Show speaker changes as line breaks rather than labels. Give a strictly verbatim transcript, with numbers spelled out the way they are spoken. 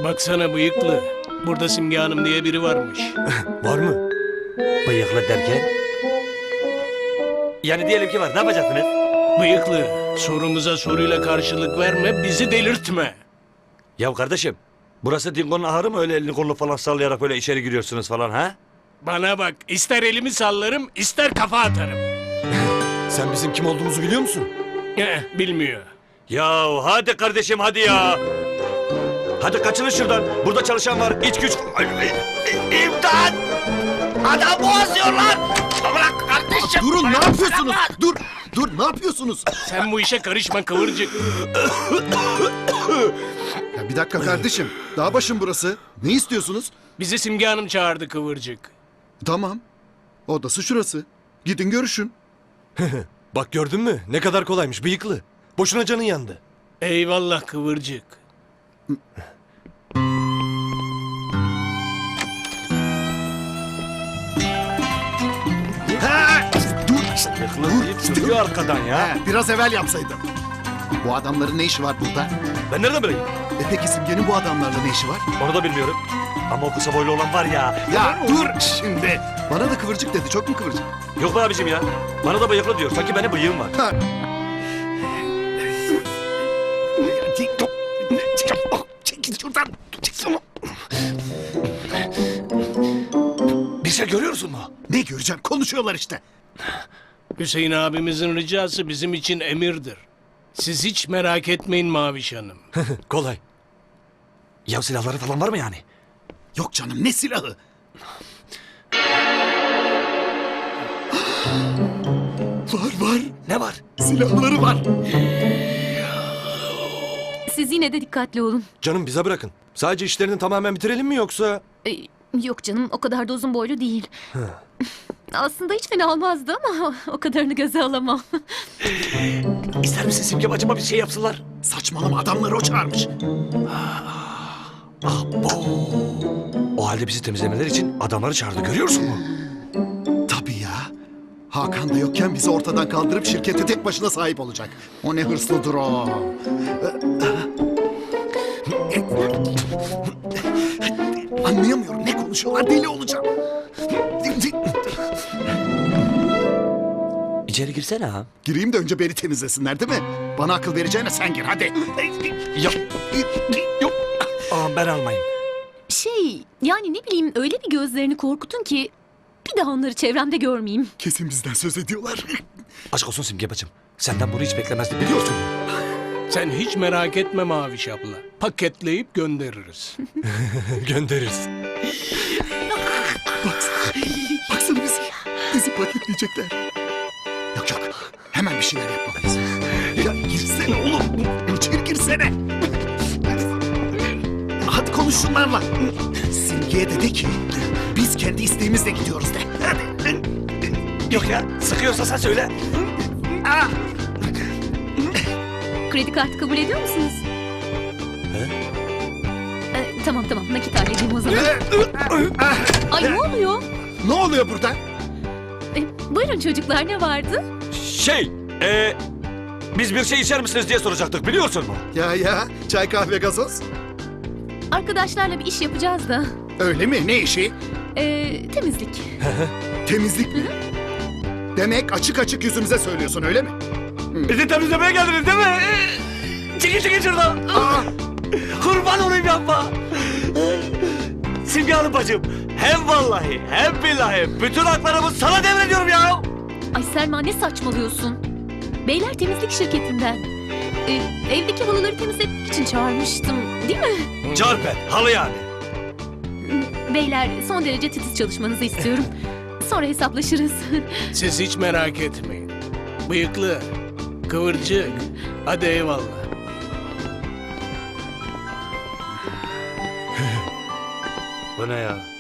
Baksana bıyıklı. Burada Simge Hanım diye biri varmış.
Var mı? Bıyıklı derken? Yani diyelim ki var. Ne yapacaksınız?
Bıyıklı, sorumuza soruyla karşılık verme, bizi delirtme.
Ya kardeşim, burası Dingo'nun ahırı mı? Öyle elini kolunu falan sallayarak böyle içeri giriyorsunuz falan ha?
Bana bak, ister elimi sallarım, ister kafa atarım.
Sen bizim kim olduğumuzu biliyor musun?
Eh, bilmiyor.
Ya hadi kardeşim hadi ya. Hadi kaçılın şuradan. Burada çalışan var. İç güç. Ay, ay, ay, İmdat! Adam boğazlıyorlar. Bırak kardeşim.
Durun, ne
Bırak,
yapıyorsunuz?
bırak.
Dur, dur, ne yapıyorsunuz?
Sen bu işe karışma kıvırcık.
Ya bir dakika kardeşim, dağ başım burası. Ne istiyorsunuz?
Bizi Simge Hanım çağırdı kıvırcık.
Tamam, odası şurası. Gidin görüşün.
Bak gördün mü? Ne kadar kolaymış bıyıklı. Boşuna canın yandı.
Eyvallah kıvırcık.
Ha! Dur,
Dur. Duruyor arkadan ya.
Ha, biraz evvel yapsaydın. Bu adamların ne işi var burada?
Ben nereden bileyim?
E peki Simge'nin bu adamlarla ne işi var?
Onu da bilmiyorum. Ama o kısa boylu olan var ya.
Ya dur şimdi. Bana da kıvırcık dedi, çok mu kıvırcık?
Yok be abicim ya. Bana da bıyıklı diyor. Sanki benim bıyığım var.
Ha. Çekil şuradan. Çekil.
Bir şey görüyorsun mu?
Ne göreceğim? Konuşuyorlar işte.
Hüseyin abimizin ricası bizim için emirdir. Siz hiç merak etmeyin Maviş Hanım.
Kolay.
Ya silahları falan var mı yani?
Yok canım, ne silahı? Var var.
Ne var?
Silahları var.
Siz yine de dikkatli olun.
Canım bize bırakın. Sadece işlerini tamamen bitirelim mi yoksa?
Ee, yok canım, o kadar da uzun boylu değil. Aslında hiç fena olmazdı ama o kadarını göze alamam.
İster misin Simge bacıma bir şey yapsınlar?
Saçmalama, adamları o çağırmış.
O halde bizi temizlemeleri için adamları çağırdı. Görüyorsun mu?
Tabii ya. Hakan da yokken bizi ortadan kaldırıp şirkete tek başına sahip olacak. O ne hırslıdır o. Anlayamıyorum, ne konuşuyorlar, deli olacağım.
İçeri girsene ha.
Gireyim de önce beni temizlesinler değil mi? Bana akıl vereceğine sen gir hadi.
Yok. Yok. Aa, ben almayayım.
Şey, yani ne bileyim, öyle bir gözlerini korkutun ki bir daha onları çevremde görmeyeyim.
Kesin bizden söz ediyorlar.
Aşk olsun Simge bacım. Senden bunu hiç beklemezdim biliyorsun.
Sen hiç merak etme Maviş abla. Paketleyip göndeririz.
Göndeririz.
Baksana, baksana bizi. Bizi paketleyecekler. Yok yok, hemen bir şeyler yapmalıyız. Ya girsene oğlum, içeri girsene. Hadi konuş şunlarla. Simge'ye de de ki, biz kendi isteğimizle gidiyoruz de. Hadi.
Yok ya. Sıkıyorsa sen söyle.
Ah!
Kredi kartı kabul ediyor musunuz? Ee, tamam tamam, nakit halledeyim o zaman. Ay ne oluyor?
Ne oluyor burada?
Ee, buyurun çocuklar, ne vardı?
Şey. Ee, biz bir şey içer misiniz diye soracaktık biliyorsun mu?
Ya ya, çay kahve gazoz.
Arkadaşlarla bir iş yapacağız da.
Öyle mi? Ne işi?
Ee, temizlik.
Temizlik mi? Demek açık açık yüzümüze söylüyorsun öyle mi?
Bizi temizlemeye geldiniz değil mi? Çekil çekil şuradan.
Aa!
Kurban olayım yapma. Simge Hanım bacım. Hem vallahi hem billahi bütün haklarımı sana devrediyorum ya.
Ay Selma, ne saçmalıyorsun? Beyler temizlik şirketinden. Ee, evdeki halıları temizlemek için çağırmıştım, değil mi?
Carpe halı yani.
Beyler, son derece titiz çalışmanızı istiyorum. Sonra hesaplaşırız.
Siz hiç merak etmeyin. Bıyıklı, kıvırcık, hadi eyvallah.
Bu ne ya?